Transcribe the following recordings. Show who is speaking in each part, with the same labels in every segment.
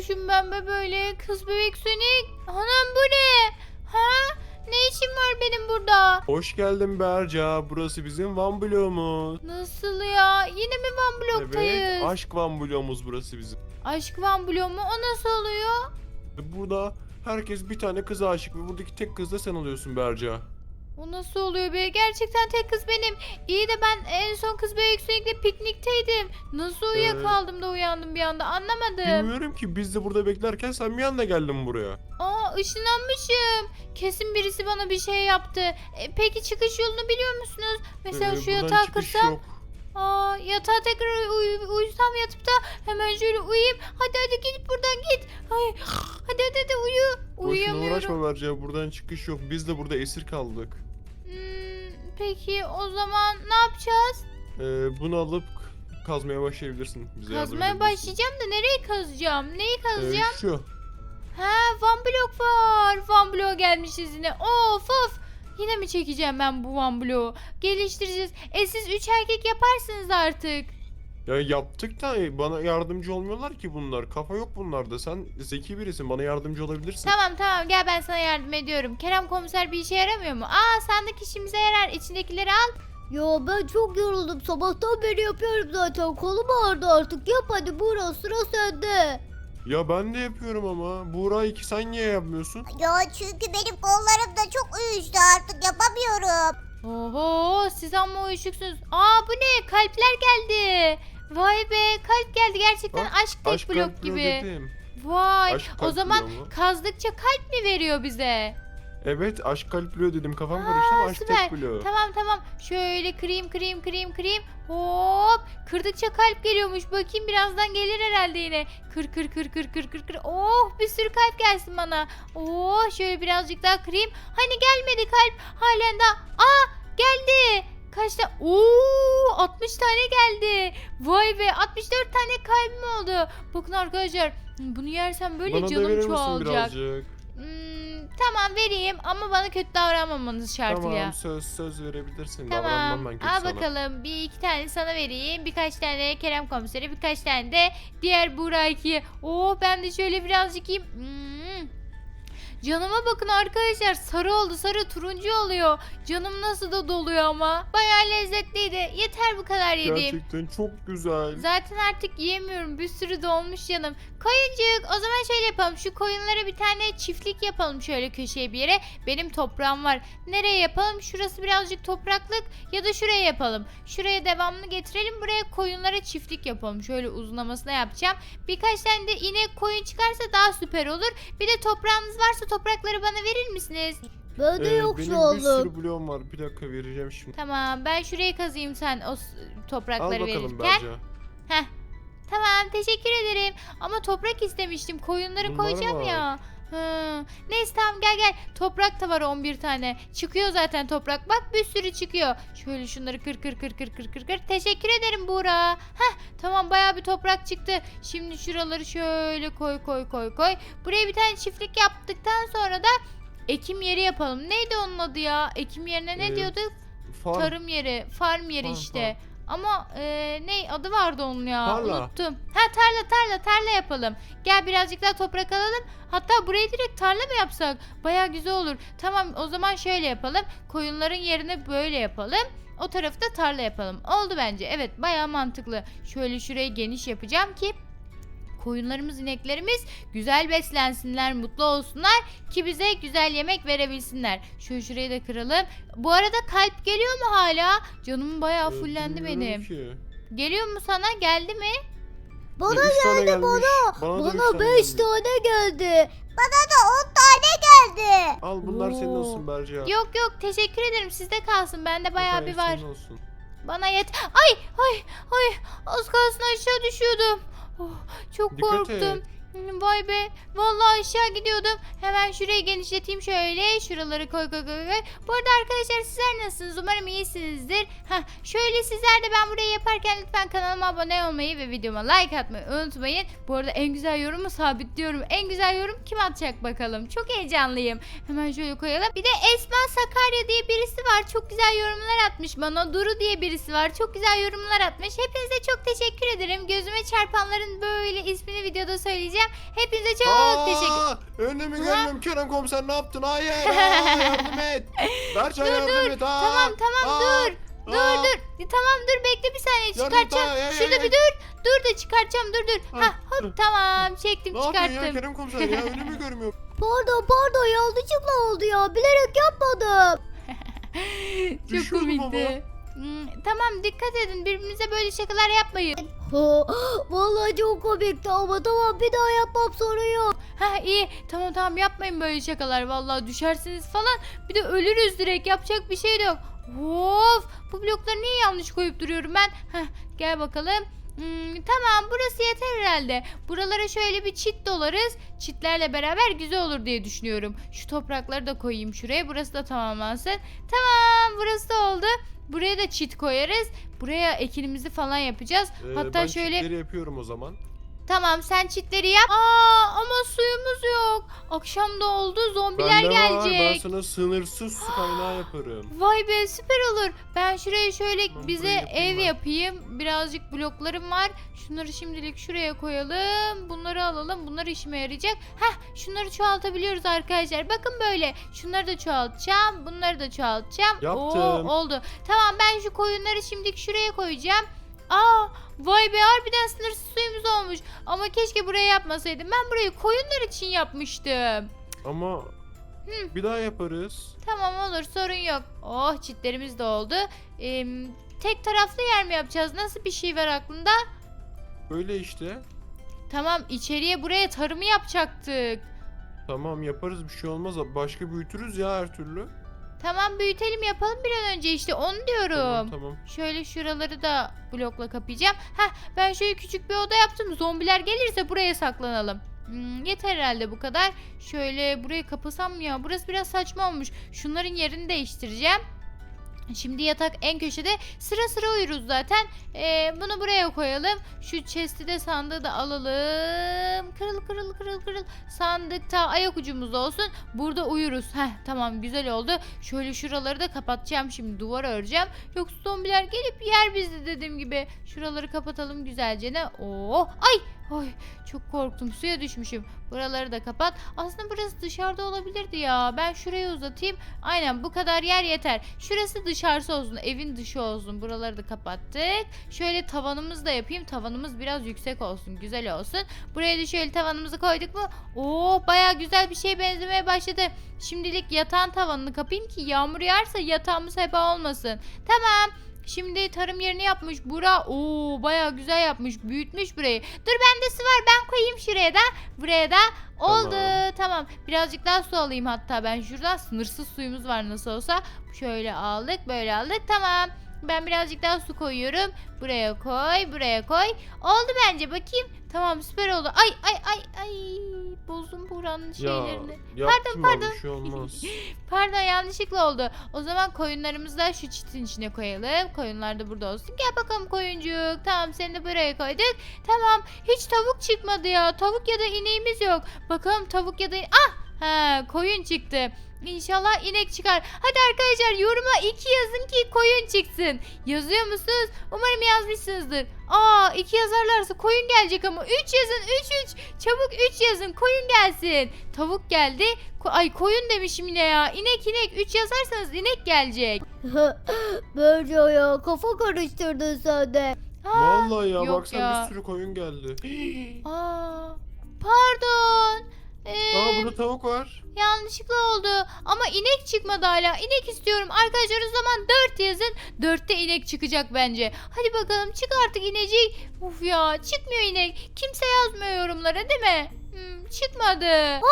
Speaker 1: olmuşum ben be böyle? Kız bebek Sonic. Anam bu ne? Ha? Ne işim var benim burada?
Speaker 2: Hoş geldin Berca. Burası bizim Van bloğumuz.
Speaker 1: Nasıl ya? Yine mi Van Blok'tayız?
Speaker 2: Evet, aşk Van bloğumuz burası bizim.
Speaker 1: Aşk Van Blok mu? O nasıl oluyor?
Speaker 2: Burada herkes bir tane kıza aşık ve buradaki tek kız da sen oluyorsun Berca.
Speaker 1: O nasıl oluyor be? Gerçekten tek kız benim. İyi de ben en son kız bebek Sonic'le piknikteydim. Nasıl uyuyakaldım da uyandım bir anda anlamadım.
Speaker 2: Bilmiyorum ki biz de burada beklerken sen bir anda geldin buraya.
Speaker 1: Aa ışınlanmışım. Kesin birisi bana bir şey yaptı. Peki çıkış yolunu biliyor musunuz? Mesela şu
Speaker 2: Buradan
Speaker 1: yatağa
Speaker 2: çıkış
Speaker 1: kırsam.
Speaker 2: yok.
Speaker 1: Aa yatağa tekrar uyusam yatıp da hemen şöyle uyuyayım. Hadi git buradan git. Ay, hadi uyu.
Speaker 2: Boşuna
Speaker 1: Uyuyamıyorum.
Speaker 2: uğraşma Berca. Buradan çıkış yok. Biz de burada esir kaldık.
Speaker 1: Peki o zaman ne yapacağız?
Speaker 2: Bunu alıp kazmaya başlayabilirsin. Bize yardım
Speaker 1: Kazmaya
Speaker 2: edebilirsin.
Speaker 1: başlayacağım da nereye kazacağım? Neyi kazacağım?
Speaker 2: Şu.
Speaker 1: Ha Van Blok var. Van Blok gelmişiz yine. Of. Yine mi çekeceğim ben bu Van Blok'u? Geliştireceğiz. Siz 3 erkek yaparsınız artık.
Speaker 2: Ya yaptık da bana yardımcı olmuyorlar ki bunlar. Kafa yok bunlarda. Sen zeki birisin. Bana yardımcı olabilirsin.
Speaker 1: Tamam gel ben sana yardım ediyorum. Kerem komiser bir işe yaramıyor mu? Sandık işimize yarar. İçindekileri al.
Speaker 3: Ya ben çok yoruldum. Sabahtan beri yapıyorum zaten. Kolum ağrıdı artık. Yap hadi Buğra, sıra sende.
Speaker 2: Ya ben de yapıyorum ama. Buğra iki sen niye yapmıyorsun?
Speaker 3: Ya çünkü benim kollarım da çok uyuştu, artık yapamıyorum.
Speaker 1: Oho siz amma uyuşuksunuz. Bu ne? Kalpler geldi. Vay be kalp geldi. Gerçekten
Speaker 2: Bak,
Speaker 1: aşk tek
Speaker 2: aşk
Speaker 1: blok
Speaker 2: kalp bloğu
Speaker 1: gibi.
Speaker 2: dedim.
Speaker 1: Vay
Speaker 2: Aşk
Speaker 1: o
Speaker 2: kalp
Speaker 1: zaman
Speaker 2: bloğu mu?
Speaker 1: kazdıkça kalp mi veriyor bize?
Speaker 2: Evet aşk kalp bloğu dedim. Kafam karıştı ama aşk
Speaker 1: Süper.
Speaker 2: tek bloğu.
Speaker 1: Tamam. Şöyle kırayım. Hop. Kırdıkça kalp geliyormuş. Bakayım birazdan gelir herhalde yine. Kır. Oh bir sürü kalp gelsin bana. Oh şöyle birazcık daha kırayım. Hani gelmedi kalp. Halen daha. Geldi. Kaç tane? 60 tane geldi. Vay be 64 tane kalbim oldu. Bakın arkadaşlar bunu yersem böyle
Speaker 2: Bana da
Speaker 1: canım
Speaker 2: verir misin
Speaker 1: çoğalacak.
Speaker 2: birazcık?
Speaker 1: Tamam vereyim ama bana kötü davranmamanız şartıyla.
Speaker 2: Tamam söz verebilirsin.
Speaker 1: Tamam.
Speaker 2: Davranmam ben kötü
Speaker 1: Al
Speaker 2: sana.
Speaker 1: bakalım. Bir iki tane sana vereyim. Birkaç tane Kerem komisere. Birkaç tane de diğer Burak'ı. Ben de şöyle birazcık yiyeyim. Canıma bakın arkadaşlar. Sarı oldu. Sarı turuncu oluyor. Canım nasıl da doluyor ama. Bayağı lezzetliydi. Yeter bu kadar yediğim.
Speaker 2: Gerçekten çok güzel.
Speaker 1: Zaten artık yiyemiyorum. Bir sürü dolmuş canım. Koyuncuk o zaman şöyle yapalım. Şu koyunlara bir tane çiftlik yapalım şöyle köşeye bir yere. Benim toprağım var. Nereye yapalım? Şurası birazcık topraklık ya da şuraya yapalım. Şuraya devamlı getirelim. Buraya koyunlara çiftlik yapalım. Şöyle uzunlamasına yapacağım. Birkaç tane de inek koyun çıkarsa daha süper olur. Bir de toprağınız varsa toprakları bana verir misiniz?
Speaker 3: Ben de yok
Speaker 2: Benim
Speaker 3: şu
Speaker 2: bir
Speaker 3: oğlum.
Speaker 2: sürü bloğum var. Bir dakika vereceğim şimdi.
Speaker 1: Tamam ben şuraya kazıyım sen o
Speaker 2: Al
Speaker 1: toprakları
Speaker 2: bakalım
Speaker 1: verirken.
Speaker 2: Berca.
Speaker 1: Tamam teşekkür ederim. Ama toprak istemiştim. Koyunları
Speaker 2: Bunlar
Speaker 1: koyacağım
Speaker 2: var.
Speaker 1: ya. Neyse tamam gel. Toprak da var 11 tane. Çıkıyor zaten toprak. Bak bir sürü çıkıyor. Şöyle şunları kır. Teşekkür ederim Buğra. Tamam baya bir toprak çıktı. Şimdi şuraları şöyle koy. Buraya bir tane çiftlik yaptıktan sonra da ekim yeri yapalım. Neydi onun adı ya? Ekim yerine ne diyorduk?
Speaker 2: Farm.
Speaker 1: Tarım yeri, farm yeri
Speaker 2: Farm,
Speaker 1: işte. Ama ne adı vardı onun ya?
Speaker 2: Tarla.
Speaker 1: Unuttum. Tarla yapalım. Gel birazcık daha toprak alalım. Hatta burayı direkt tarla mı yapsak? Baya güzel olur. Tamam o zaman şöyle yapalım. Koyunların yerine böyle yapalım. O tarafı da tarla yapalım. Oldu bence. Evet baya mantıklı. Şöyle şurayı geniş yapacağım ki koyunlarımız, ineklerimiz güzel beslensinler, mutlu olsunlar ki bize güzel yemek verebilsinler. Şurayı da kıralım. Bu arada kalp geliyor mu hala? Canım bayağı fullendi
Speaker 2: Bilmiyorum
Speaker 1: benim.
Speaker 2: ki.
Speaker 1: Geliyor mu sana? Geldi mi?
Speaker 3: Bana
Speaker 2: Üç tane
Speaker 3: geldi
Speaker 2: gelmiş.
Speaker 3: bana.
Speaker 2: Bana da üç
Speaker 3: Bana
Speaker 2: tane
Speaker 3: 5
Speaker 2: geldi.
Speaker 3: tane geldi. Bana da 10 tane geldi.
Speaker 2: Al bunlar senin
Speaker 1: Oo.
Speaker 2: olsun Berca.
Speaker 1: Yok teşekkür ederim. Sizde kalsın. Bende bayağı bir var.
Speaker 2: Senin olsun.
Speaker 1: Bana yet. Ay az kalsın aşağı düşüyordum. Çok
Speaker 2: Dikkat
Speaker 1: korktum.
Speaker 2: et.
Speaker 1: Vay be. Vallahi aşağı gidiyordum. Hemen şurayı genişleteyim şöyle. Şuraları koy. Bu arada arkadaşlar sizler nasılsınız? Umarım iyisinizdir. Şöyle sizler de ben burayı yaparken lütfen kanalıma abone olmayı ve videoma like atmayı unutmayın. Bu arada en güzel yorumu sabitliyorum. En güzel yorum kim atacak bakalım. Çok heyecanlıyım. Hemen şöyle koyalım. Bir de Esma Sakarya diye birisi var. Çok güzel yorumlar atmış bana. Duru diye birisi var. Çok güzel yorumlar atmış. Hepinize çok teşekkür ederim. Gözüme çarpanların böyle ismini videoda söyleyeceğim. çıkaracağım. Hepinize çok teşekkür.
Speaker 2: Önümü görmüyorum Kerem komiser, ne yaptın? Hayır, yardım et. Berçay yardım et.
Speaker 1: Tamam dur. Dur. Tamam dur bekle bir saniye çıkartacağım. Şurada bir dur. Dur da çıkartacağım dur. Ha hop tamam çektim
Speaker 2: Ne yapıyorsun ya
Speaker 1: çıkarttım.
Speaker 2: Kerem komiser ya, önümü görmüyorum.
Speaker 3: Pardon yanlışlıkla oldu ya. Bilerek yapmadım.
Speaker 1: Çok
Speaker 2: Düşüyordum
Speaker 1: komikti. Tamam dikkat edin birbirimize böyle şakalar yapmayın.
Speaker 3: Vallahi çok komikti ama tamam bir daha yapmam, sorun yok.
Speaker 1: Ha iyi tamam yapmayın böyle şakalar vallahi düşersiniz falan. Bir de ölürüz direkt yapacak bir şey de yok. Of bu blokları niye yanlış koyup duruyorum ben? Heh, gel bakalım. Tamam burası yeter herhalde. Buralara şöyle bir çit dolarız. Çitlerle beraber güzel olur diye düşünüyorum. Şu toprakları da koyayım şuraya. Burası da tamamlansın. Tamam burası da oldu. Buraya da çit koyarız. Buraya ekinimizi falan yapacağız. Hatta
Speaker 2: Ben
Speaker 1: şöyle
Speaker 2: çitleri yapıyorum o zaman.
Speaker 1: tamam sen çitleri yap. Ama suyumuz yok. Akşam da oldu zombiler
Speaker 2: Bende var, ben
Speaker 1: gelecek.
Speaker 2: sana sınırsız su kaynağı yaparım.
Speaker 1: Vay be süper olur. Ben şuraya şöyle
Speaker 2: Ben
Speaker 1: bize
Speaker 2: burayı yapayım
Speaker 1: ev
Speaker 2: ben.
Speaker 1: yapayım. Birazcık bloklarım var. Şunları şimdilik şuraya koyalım. Bunları alalım. Bunlar işime yarayacak. Şunları çoğaltabiliyoruz arkadaşlar. Bakın böyle. Şunları da çoğaltacağım. Bunları da çoğaltacağım.
Speaker 2: Yaptım.
Speaker 1: Oldu. Tamam ben şu koyunları şimdilik şuraya koyacağım. Vay be harbiden sınırsız suyumuz olmuş. Ama keşke buraya yapmasaydım. Ben burayı koyunlar için yapmıştım.
Speaker 2: Ama bir daha yaparız.
Speaker 1: Tamam olur sorun yok. Oh çitlerimiz de oldu. Tek taraflı yer mi yapacağız? Nasıl bir şey var aklında?
Speaker 2: Böyle işte.
Speaker 1: Tamam içeriye buraya tarımı yapacaktık.
Speaker 2: Tamam yaparız, bir şey olmaz. Başka büyütürüz ya her türlü.
Speaker 1: Tamam büyütelim yapalım bir an önce işte onu diyorum.
Speaker 2: Tamam.
Speaker 1: Şöyle şuraları da blokla kapayacağım. Ben şöyle küçük bir oda yaptım. Zombiler gelirse buraya saklanalım. Yeter herhalde bu kadar. Şöyle burayı kapasam mı ya? Burası biraz saçma olmuş. Şunların yerini değiştireceğim. Şimdi yatak en köşede sıra sıra uyuruz zaten. Bunu buraya koyalım. Şu chest'i de sandığı da alalım. Kırıl. Sandıkta ayak ucumuz olsun. Burada uyuruz. Tamam güzel oldu. Şöyle şuraları da kapatacağım şimdi. Duvar öreceğim. Yoksa zombiler gelip yer bizi dediğim gibi. Şuraları kapatalım güzelce ne. Ay çok korktum. Suya düşmüşüm. Buraları da kapat. Aslında burası dışarıda olabilirdi ya. Ben şuraya uzatayım. Aynen bu kadar yer yeter. Şurası dışarısı olsun. Evin dışı olsun. Buraları da kapattık. Şöyle tavanımızı da yapayım. Tavanımız biraz yüksek olsun. Güzel olsun. Buraya da şöyle tavanımızı koyduk mu? Baya güzel bir şeye benzemeye başladı. Şimdilik yatağın tavanını kapayım ki yağmur yağarsa yatağımız heba olmasın. Tamam. Şimdi tarım yerini yapmış Bura. Baya güzel yapmış. Büyütmüş burayı. Dur bende su var. Ben koyayım şuraya da. Buraya da. Oldu. Tamam. Birazcık daha su alayım hatta ben şuradan. Sınırsız suyumuz var nasıl olsa. Şöyle aldık. Böyle aldık. Tamam. Ben birazcık daha su koyuyorum. Buraya koy. Buraya koy. Oldu bence. Bakayım. Tamam süper oldu. Ay. Bozdum buranın şeylerini.
Speaker 2: Yaptım
Speaker 1: Pardon.
Speaker 2: Bir şey olmaz.
Speaker 1: Pardon yanlışlıkla oldu. O zaman koyunlarımızı da şu çitin içine koyalım. Koyunlar da burada olsun. Gel bakalım koyuncuk. Tamam seni de buraya koyduk. Tamam hiç tavuk çıkmadı ya. Tavuk ya da ineğimiz yok. Bakalım tavuk ya da... koyun çıktı. İnşallah inek çıkar. Hadi arkadaşlar yoruma 2 yazın ki koyun çıksın. Yazıyor musunuz? Umarım yazmışsınızdır. 2 yazarlarsa koyun gelecek ama 3 yazın 3. Çabuk 3 yazın koyun gelsin. Tavuk geldi. Koyun demişim yine ya. İnek 3 yazarsanız inek gelecek.
Speaker 3: Bence ya kafa karıştırdın sen de.
Speaker 2: Vallahi ya
Speaker 1: yok
Speaker 2: baksana
Speaker 1: ya.
Speaker 2: bir sürü koyun geldi.
Speaker 1: Pardon.
Speaker 2: Burada tavuk var.
Speaker 1: Yanlışlıkla oldu. Ama inek çıkmadı hala. İnek istiyorum. Arkadaşlar o zaman 4 yazın. 4'te inek çıkacak bence. Hadi bakalım çık artık inecik. Uf ya çıkmıyor inek. Kimse yazmıyor yorumlara değil mi? Çıkmadı.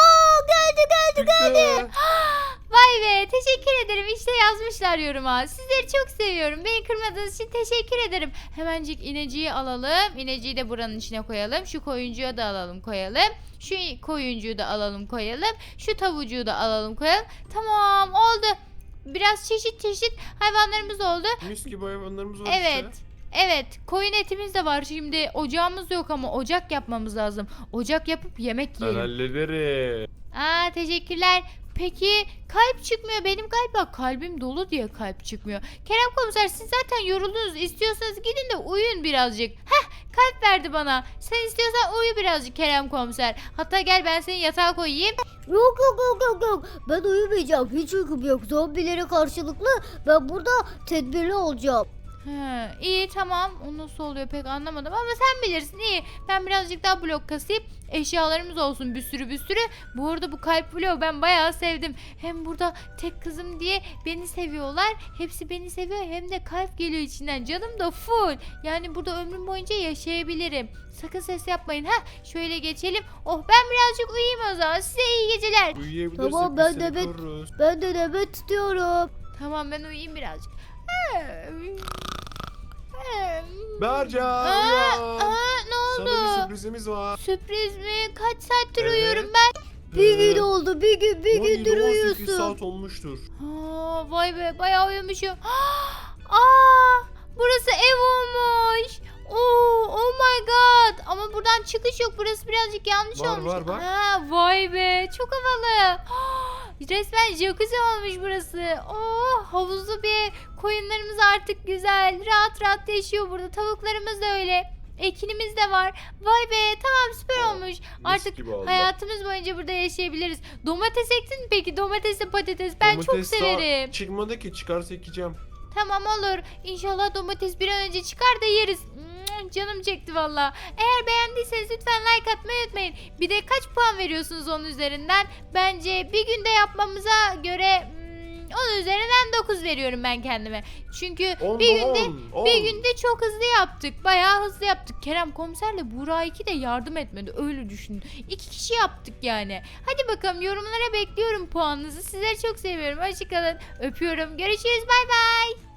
Speaker 3: Geldi.
Speaker 1: Vay be teşekkür ederim. İşte yazmışlar yoruma. Sizleri çok seviyorum. Beni kırmadığınız için teşekkür ederim. Hemencik ineciyi alalım. İneciyi de buranın içine koyalım. Şu koyuncuyu da alalım koyalım. Şu koyuncuyu da alalım koyalım. Şu tavucuğu da alalım koyalım. Tamam oldu. Biraz çeşit hayvanlarımız oldu.
Speaker 2: Mis gibi hayvanlarımız var
Speaker 1: Evet.
Speaker 2: işte.
Speaker 1: Evet koyun etimiz de var şimdi ocağımız yok ama ocak yapmamız lazım. Ocak yapıp yemek
Speaker 2: Ben
Speaker 1: yiyelim.
Speaker 2: hallederim.
Speaker 1: Teşekkürler. Peki kalp çıkmıyor benim galiba kalbim dolu diye kalp çıkmıyor. Kerem komiser siz zaten yoruldunuz istiyorsanız gidin de uyuyun birazcık. kalp verdi bana. Sen istiyorsan uyu birazcık Kerem komiser. Hatta gel ben seni yatağa koyayım.
Speaker 3: Yok yok yok yok yok. Ben uyumayacağım. Hiç uykum yok. Zombilere karşılıklı ben burada tedbirli olacağım.
Speaker 1: He, iyi tamam. O nasıl oluyor pek anlamadım ama sen bilirsin iyi. Ben birazcık daha blok kasayım. Eşyalarımız olsun bir sürü bir sürü. Bu arada bu kalp bloğu ben bayağı sevdim. Hem burada tek kızım diye beni seviyorlar. Hepsi beni seviyor hem de kalp geliyor içinden. Canım da full. Yani burada ömrüm boyunca yaşayabilirim. Sakın ses yapmayın. Şöyle geçelim. Oh ben birazcık uyuyayım o zaman. Size iyi geceler.
Speaker 2: Uyuyabilirsek
Speaker 3: Tamam,
Speaker 2: biz
Speaker 3: ben
Speaker 2: seni
Speaker 3: de
Speaker 2: koruruz.
Speaker 3: Ben de nöbet tutuyorum.
Speaker 1: Tamam ben uyuyayım birazcık.
Speaker 2: Berca
Speaker 1: Aa,
Speaker 2: uyan.
Speaker 1: ne oldu?
Speaker 2: Sana bir sürprizimiz var.
Speaker 1: Sürpriz mi? Kaç saattir
Speaker 2: Evet.
Speaker 1: uyuyorum ben?
Speaker 3: Bir gün oldu. Bir gündür
Speaker 2: 18
Speaker 3: uyuyorsun.
Speaker 2: saat olmuştur.
Speaker 1: Vay be bayağı uyumuşum. Aa, burası ev olmuş. Oh my god. Ama buradan çıkış yok. Burası birazcık yanlış
Speaker 2: Var,
Speaker 1: olmuş.
Speaker 2: var, bak.
Speaker 1: Vay be çok havalı. Resmen jacuzzi olmuş burası. Havuzlu bir ev. Koyunlarımız artık güzel. Rahat rahat yaşıyor burada. Tavuklarımız da öyle. Ekinimiz de var. Vay be tamam süper olmuş.
Speaker 2: Mis
Speaker 1: Artık
Speaker 2: gibi oldu.
Speaker 1: hayatımız boyunca burada yaşayabiliriz. Domates ektin mi peki? Domatesle patates. Ben çok
Speaker 2: Domates daha
Speaker 1: severim.
Speaker 2: çıkmadı ki, çıkarsa ekeceğim.
Speaker 1: Tamam olur. İnşallah domates bir an önce çıkar da yeriz. Canım çekti valla. Eğer beğendiyseniz lütfen like atmayı unutmayın. Bir de kaç puan veriyorsunuz onun üzerinden? Bence bir günde yapmamıza göre 10 üzerinden 9 veriyorum ben kendime. Çünkü
Speaker 2: On
Speaker 1: bir
Speaker 2: da
Speaker 1: günde
Speaker 2: 10,
Speaker 1: bir
Speaker 2: 10.
Speaker 1: günde çok hızlı yaptık. Bayağı hızlı yaptık. Kerem komiserle Burak 2 de yardım etmedi. Öyle düşünün. 2 kişi yaptık yani. Hadi bakalım yorumlara bekliyorum puanınızı. Sizleri çok seviyorum. Hoşçakalın. Öpüyorum. Görüşürüz. Bay bay.